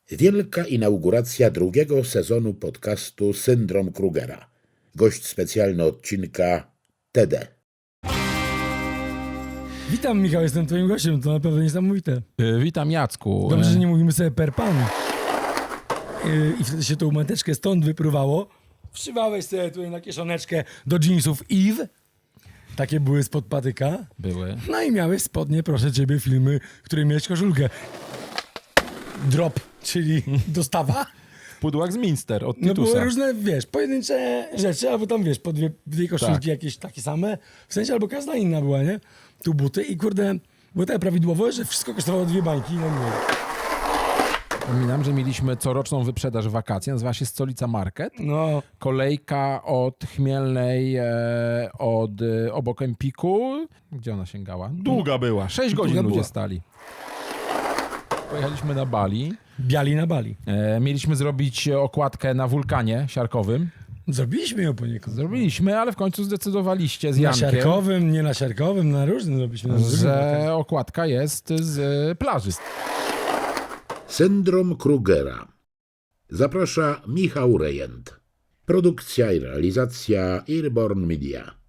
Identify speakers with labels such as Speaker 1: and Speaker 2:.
Speaker 1: Wielka inauguracja drugiego sezonu podcastu Syndrom Krugera. Gość specjalny odcinka TD.
Speaker 2: Witam, Michał, jestem twoim gościem, to naprawdę niesamowite.
Speaker 3: Witam, Jacku.
Speaker 2: Dobrze, że nie mówimy sobie per pan. I wtedy się tą mateczkę stąd wypruwało. Wszywałeś sobie tutaj na kieszoneczkę do jeansów Eve. Takie były spod patyka.
Speaker 3: Były.
Speaker 2: No i miałeś spodnie, proszę ciebie, filmy, w której miałeś koszulkę. Drop, czyli dostawa.
Speaker 3: W pudłach z Minster od
Speaker 2: No
Speaker 3: Titusa.
Speaker 2: były różne, wiesz, pojedyncze rzeczy, albo tam, wiesz, po dwie koszulki
Speaker 3: Tak.
Speaker 2: jakieś takie same. W sensie, albo każda inna była, nie? Tu buty i kurde, było tak prawidłowo, że wszystko kosztowało 2 bańki. No nie.
Speaker 3: Przypominam, że mieliśmy coroczną wyprzedaż wakacji, nazywa się Stolica Market.
Speaker 2: No,
Speaker 3: Kolejka od Chmielnej, obok Empiku. Gdzie ona sięgała? Długa była. 6 godzin
Speaker 2: Długa
Speaker 3: ludzie
Speaker 2: była.
Speaker 3: stali. Pojechaliśmy na Bali.
Speaker 2: biali na Bali.
Speaker 3: Mieliśmy zrobić okładkę na wulkanie siarkowym.
Speaker 2: Zrobiliśmy ją poniekąd.
Speaker 3: Zrobiliśmy, ale w końcu zdecydowaliście z
Speaker 2: Na
Speaker 3: Jankiem,
Speaker 2: siarkowym, nie na siarkowym, na różnym zrobiliśmy. Na drugim.
Speaker 3: że okładka jest z plaży.
Speaker 1: Syndrom Krugera. Zaprasza Michał Rejent. Produkcja i realizacja Airborne Media.